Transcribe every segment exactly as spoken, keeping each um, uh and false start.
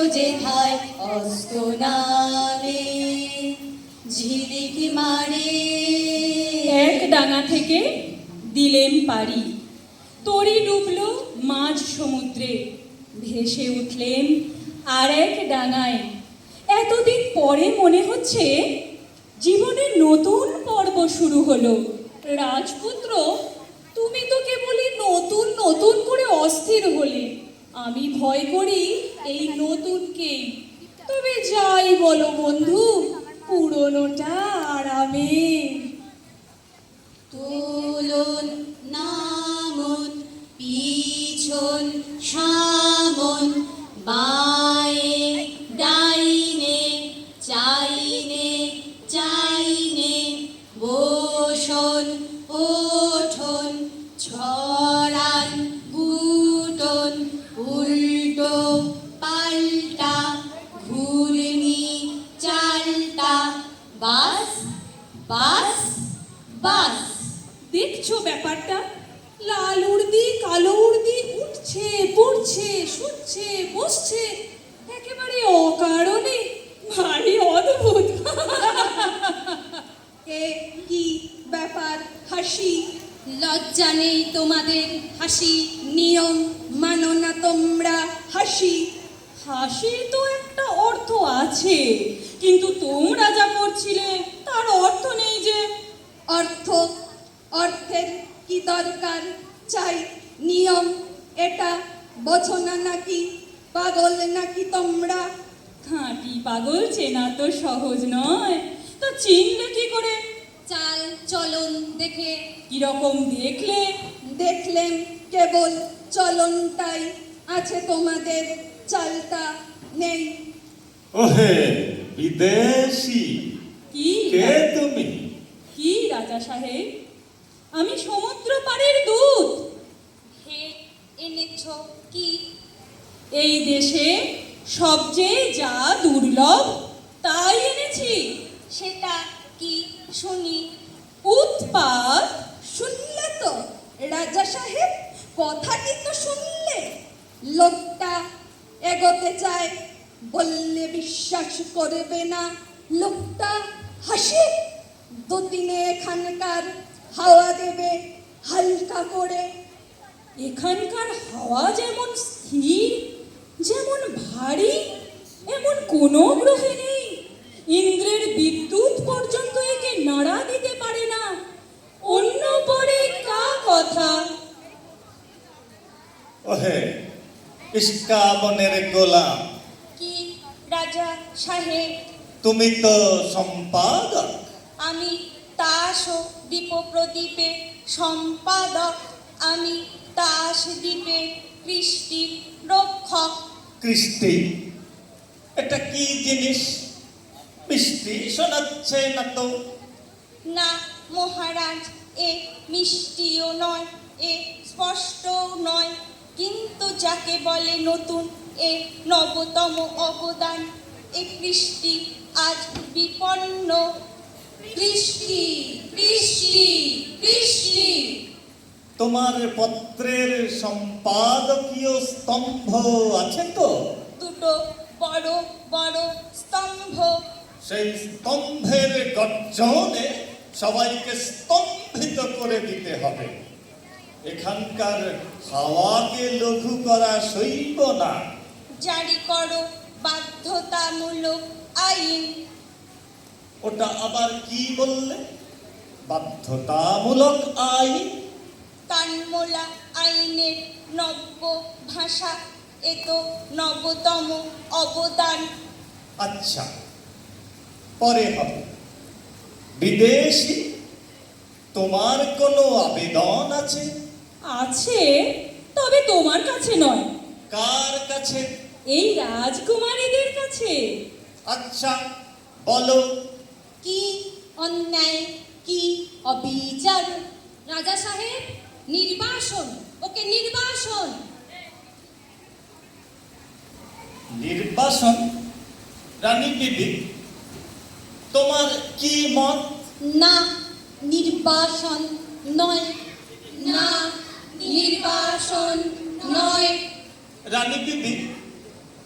যেথায় অস্ত নামে ঝিলিক মারে। এক ডাঙা থেকে দিলেম পারি, তরি ডুবল মাঝ সমুদ্রে, ভেসে উঠলেন আর এক ডাঙায়। এতদিন পরে মনে হচ্ছে জীবনের নতুন পর্ব শুরু হলো। রাজপুত্র, তুমি তো কেবলই নতুন নতুন করে অস্থির হলে, আমি ভয় করি এই নতুনকেই। তবে যাই বলো বন্ধু, পুরনোটা আরামে। তোলন নামন পিছন সামন বায়ে ডাইনে চাইনে চাইনে বসন ওঠন ছড়ান গুটন উল্টো পাল্টা ঘুরনি চালটা বাস বাস বাস। দেখছো ব্যাপারটা? লাল উর্দি কালো উর্দি উঠছে পড়ছে শুচ্ছে বসছে একেবারে অকারণে, ভারী অদ্ভুত। এ কি ব্যাপার? হাসি লজ্জা নেই তোমাদের? হাসি নিয়ম মানো না তোমরা? হাসি হাসির তো একটা অর্থ আছে, কিন্তু তোমরা যা করছিলে তার অর্থ নেই যে। অর্থ? অর্থের কি দরকার? চাই নিয়ম, এটা বোঝো না নাকি? পাগল নাকি তোমরা? খাঁটি পাগল চেনা তো সহজ নয়, তো চিনলে কি করে? চাল চলন দেখে। কিরকম দেখলে? দেখলেন কেবল চলনটাই আছে তোমাদের, চালটা নেই। ওহে বিদেশি, কি কে তুমি? কি রাজা সাহেব, আমি সমুদ্র পাড়ের দূত। হে এনেছ কি? এই দেশে সবচেয়ে যা দুর্লভ তাই এনেছি। সেটা কি শুনি? উৎপাত। শুনলে তো রাজা সাহেব, কথাটি তো শুনলে? লোকটা এগোতে চায়, বললে বিশ্বাস করবে না। লোকটা হাসি, দুদিনে এখানকার হাওয়া দেবে হালকা করে। এখানকার হাওয়া যেমন স্থির, যেমন ভারী, এমন কোনো গ্রহে নেই। ইন্দ্রের বিদ্যুৎ পর্যন্ত একে নাড়া দিতে পারে না। অন্য পরে কা কথা। ওহে ইস্কাবনের গোলাম, কি রাজা সাহেব? তুমি তো সম্পাদক। আমি তাস ও দ্বীপপ্রদীপে সম্পাদক। আমি তাস দ্বীপে কৃষ্টির রক্ষক। কৃষ্টি? এটা কি জিনিস? মিষ্টি শোনাচ্ছে না তো। না মহারাজ, এ মিষ্টিও নয়, এ স্পষ্টও নয়, কিন্তু যাকে বলে নতুন, এ নবতম অবদান। এ কৃষ্টি আজ বিপন্ন। কৃষ্টি কৃষ্টি কৃষ্টি। তোমার পত্রের সম্পাদকীয় স্তম্ভ আছে তো? দুটো বড় বড় স্তম্ভ। সেই স্তম্ভের গর্জনে সবাইকে স্তম্ভিত করে দিতে হবে। এখানকার হাওয়াকে লঘু করা সইব না। জারি করো বাধ্যতামূলক আইন। ওটা আবার কি বললে? বাধ্যতামূলক আইন? কানমোলা আইনের নব্য ভাষা, এ তো নবতম অবদান। আচ্ছা, পরে হবে। বিদেশি, তোমার কোনো আবেদন আছে? আছে, তবে তোমার কাছে নয়। কার কাছে? এই রাজকুমারীদের কাছে। আচ্ছা বলো। কি অন্যায়, কি অবিচার? রাজা সাহেব, নির্বাসন, ওকে নির্বাসন। নির্বাসন? রানী বিবি, তোমার কি মত? না, নির্বাসন নয়। না, নির্বাসন নয়। রানী বিবি,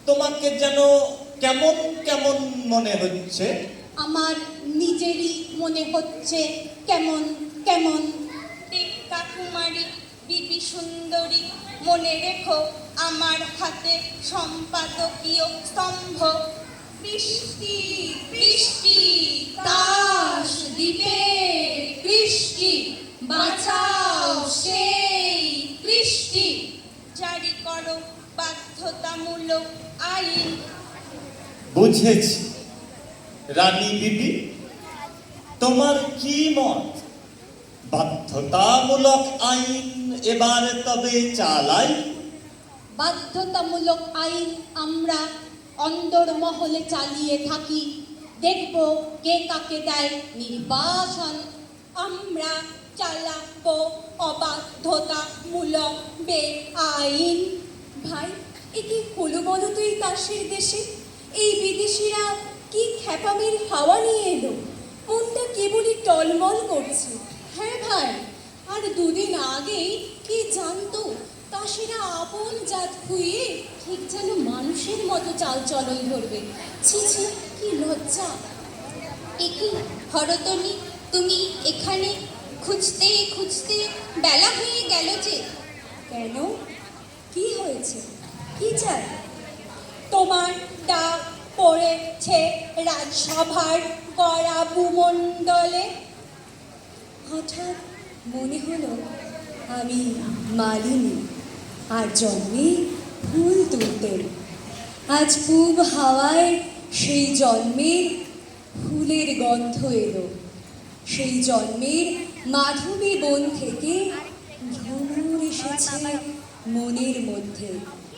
তোমাকে যেন কেমন কেমন মনে হচ্ছে। আমার নিজেরই মনে হচ্ছে কেমন কেমন। টিক্কা কুমারী বিবি সুন্দরী, মনে রেখো আমার হাতে সম্পাদকীয় স্তম্ভ। বৃষ্টি বৃষ্টি তাস দিবে বৃষ্টি, বাঁচাও সেই বৃষ্টি। জারি করো বাধ্যতামূলক আইন। বুঝেছি রানী বিবি, তোমার কি মত? বাধ্যতামূলক আইন এবার তবে চালাই। বাধ্যতামূলক আইন আমরা অন্দরমহলে চালিয়ে থাকি, দেখব কে কাকে দেয় নির্বাসন। আমরা চালাবো অবাধ্যতামূলক বেআইন। ভাই, এ কি হলো বলো তো এই তাসের দেশে? এই বিদেশিরা কি খ্যাপামির হাওয়া নিয়ে এলো, মনটা কেবলই টলমল করছে। হ্যাঁ ভাই, আর দুদিন আগেই কি জানতো তাসেরা আপন জাত খুইয়ে ঠিক যেন মানুষের মতো চাল চলন ধরবে। ছি ছি, কি লজ্জা। একি হরতনি, তুমি এখানে? খুঁজতে খুঁজতে বেলা হয়ে গেল যে। কেন, কি হয়েছে, কি চাই? তোমার ডাক পড়েছে রাজসভার কড়া ভূমণ্ডলে। হঠাৎ মনে হলো আমি মালিনী, আর জন্মে ফুল তুলতেন। আজ পূব হাওয়ায় সেই জন্মের ফুলের গন্ধ এলো। সেই জন্মের মাধবী বন থেকে ভ্রমর এসেছে মনের মধ্যে।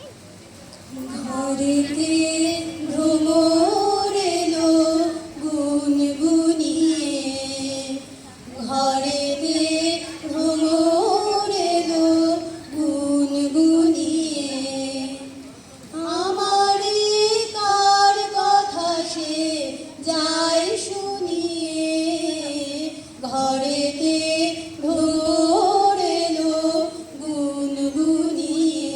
ঘরেতে ভ্রমর এলো গুনগুনিয়ে, ঘরেতে ভ্রমর এলো গুনগুনিয়ে। আমারে কার কথা সে যায় শুনিয়ে, ঘরেতে ভ্রমর এলো গুনগুনিয়ে।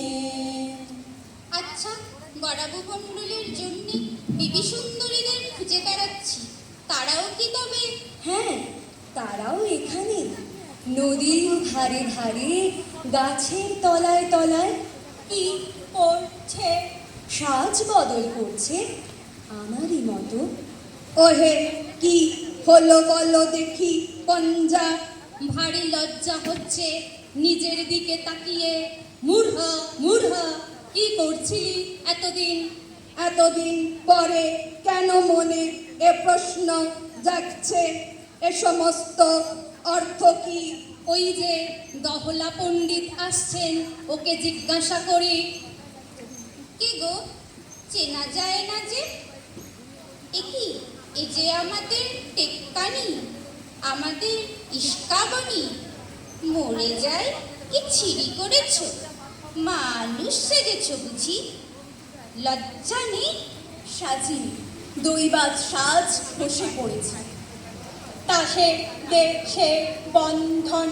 আচ্ছা, গড়া ভূমণ্ডলের জন্য বিবি সুন্দরীদের খুঁজে বেড়াচ্ছি, তারাও কি তবে? হ্যাঁ, তারাও এখানে নদীর ধারে ধারে গাছের তলায় তলায় কি করছে? সাজ বদল করছে আমারই মতো। ওহে, কি হলো বলো দেখি পঞ্জা। ভারী লজ্জা হচ্ছে নিজের দিকে তাকিয়ে। মূঢ় মূঢ়, কি করছিলি এতদিন? এতদিন পরে কেন মনে এ প্রশ্ন জাগছে? এ সমস্ত অর্থ কি? ওই যে দহলা পণ্ডিত আসছেন, ওকে জিজ্ঞাসা করি। কে গো, চেনা যায় না যে? একি, এ যে আমাদের টেক্কানি, আমাদের ইস্কাবনি। মরে যায় কি ছিড়ি করেছ? মানুষ সেজেছ বুঝি? লজ্জা নেই? সাজি দৈবাত সাজ বসে পড়েছে। তাসে দেশে বন্ধন,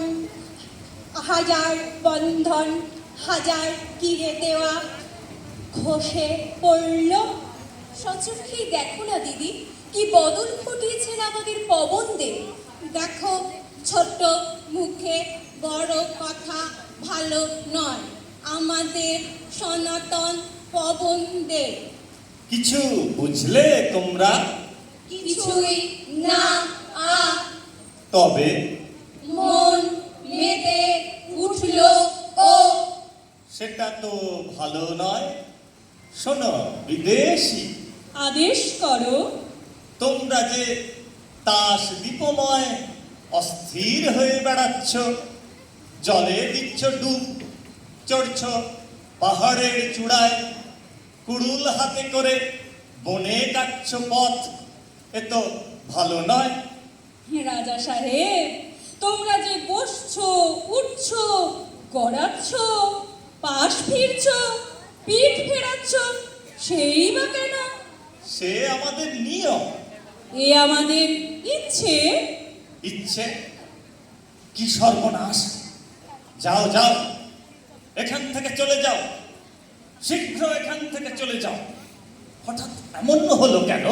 হাজার বন্ধন, হাজার কিরে দেওয়া খসে পড়ল। সচক্ষেই দেখো না দিদি, কি বদল ঘটিয়েছেন আমাদের পবন দেব। দেখো, ছোট মুখে বড় কথা ভালো নয়। আমাদের সনাতন পবন দেব। কিছু বুঝলে তোমরা? কিছুই না। আ তবে মন মেতে উঠল ও। সেটা তো ভালো নয়। শোনো বিদেশি, আদেশ করো। তোমরা যে তাস দীপময় অস্থির হয়ে বেড়াচ্ছ, জলে দিচ্ছ ডুব, চড়ছ পাহাড়ের চূড়ায়, কুড়ুল হাতে করে বনে কাটছ পথ, এ তো ভালো নয়। রাজা সাহেব, তোমরা যে বসছো, উঠছো, গড়াচ্ছ, পাশ ফিরছ, পিঠ ফেরাচ্ছ, সেই বা কেন? সে আমাদের নিয়ম। এ আমাদের ইচ্ছে। ইচ্ছে? কি সর্বনাশ! যাও যাও, এখান থেকে চলে যাও, শীঘ্র এখান থেকে চলে যাও। হঠাৎ এমন হলো কেন?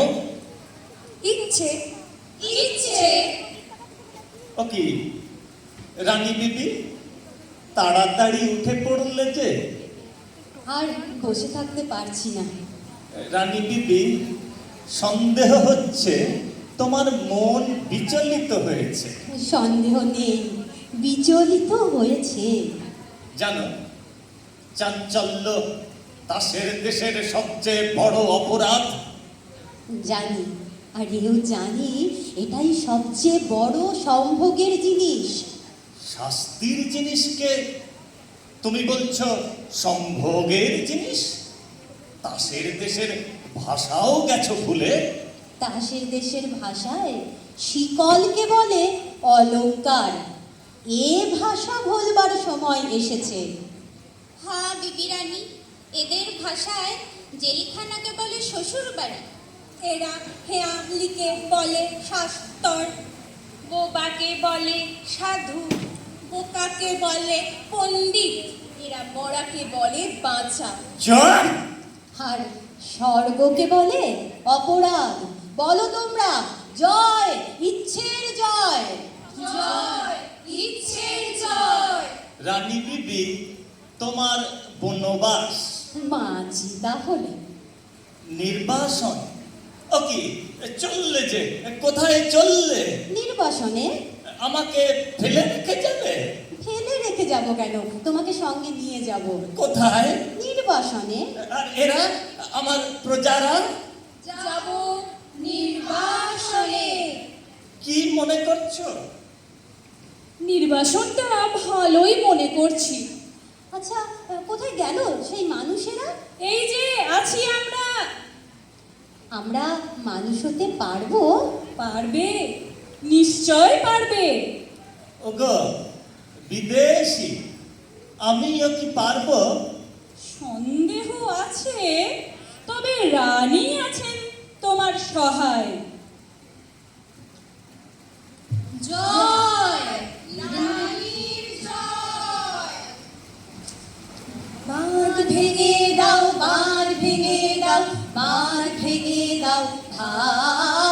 ইচ্ছে ইচ্ছে ও কি রানী বিবি, তাড়াতাড়ি উঠে পড়লে যে? আর বসে থাকতে পারছি না। রানী বিবি, সন্দেহ হচ্ছে তোমার মন বিচলিত হয়েছে। সন্দেহ নেই, বিচলিত হয়েছে। জানো, চাঞ্চল্য দাসের দেশের সবচেয়ে বড় অপরাধ। জানি, আর এও জানি এটাই সবচেয়ে বড় সম্ভোগের জিনিস। শাস্তির জিনিসকে তুমি বলছো সম্ভোগের জিনিস? দাসের দেশের ভাষাও গেছো ভুলে? তাসের দেশের ভাষায় শিকলকে বলে অলংকার। এ ভাষা ভুলবার সময় এসেছে। হ্যাঁ বিবি রানী, এদের ভাষায় জেলখানাকে বলে শ্বশুর বাড়ি। এরা হেয়ালিকে বলে শাস্তর, বোবাকে বলে সাধু, বোকাকে বলে পণ্ডিত, এরা মরাকে বলে বাঁচা। চল! আর স্বর্গকে বলে অপরাধ। বলো তোমরা, জয়, ইচ্ছের জয়। জয়, ইচ্ছের জয়। রানী বিবি, তোমার বনবাস, মাঝি তাহলে নির্বাসন, ও কি চললে যে? কোথায় চললে? নির্বাসনে। আমাকে ফেলে রেখে যাবে? ফেলে রেখে যাব কেন? তোমাকে সঙ্গে নিয়ে যাব। কোথায়? নির্বাসনে। আর এরা, আমার প্রজারা? যাব নির্বাসনে। কি মনে করছো? নির্বাসনটা ভালোই মনে করছি। আচ্ছা, কোথায় গেল সেই মানুষেরা? এই যে আছি আমরা। আমরা মানুষ হতে পারবো? পারবে, নিশ্চয় পারবে। ওগো বিদেশি, আমিও কি পারবো? সন্দেহ আছে, তবে রানী আছেন তোমার সহায়। জয়, রানীর জয়। বাঁধ ভেঙে দাও, বাঁধ ভেঙে দাও, বাঁধ ভেঙে দাও, ভাই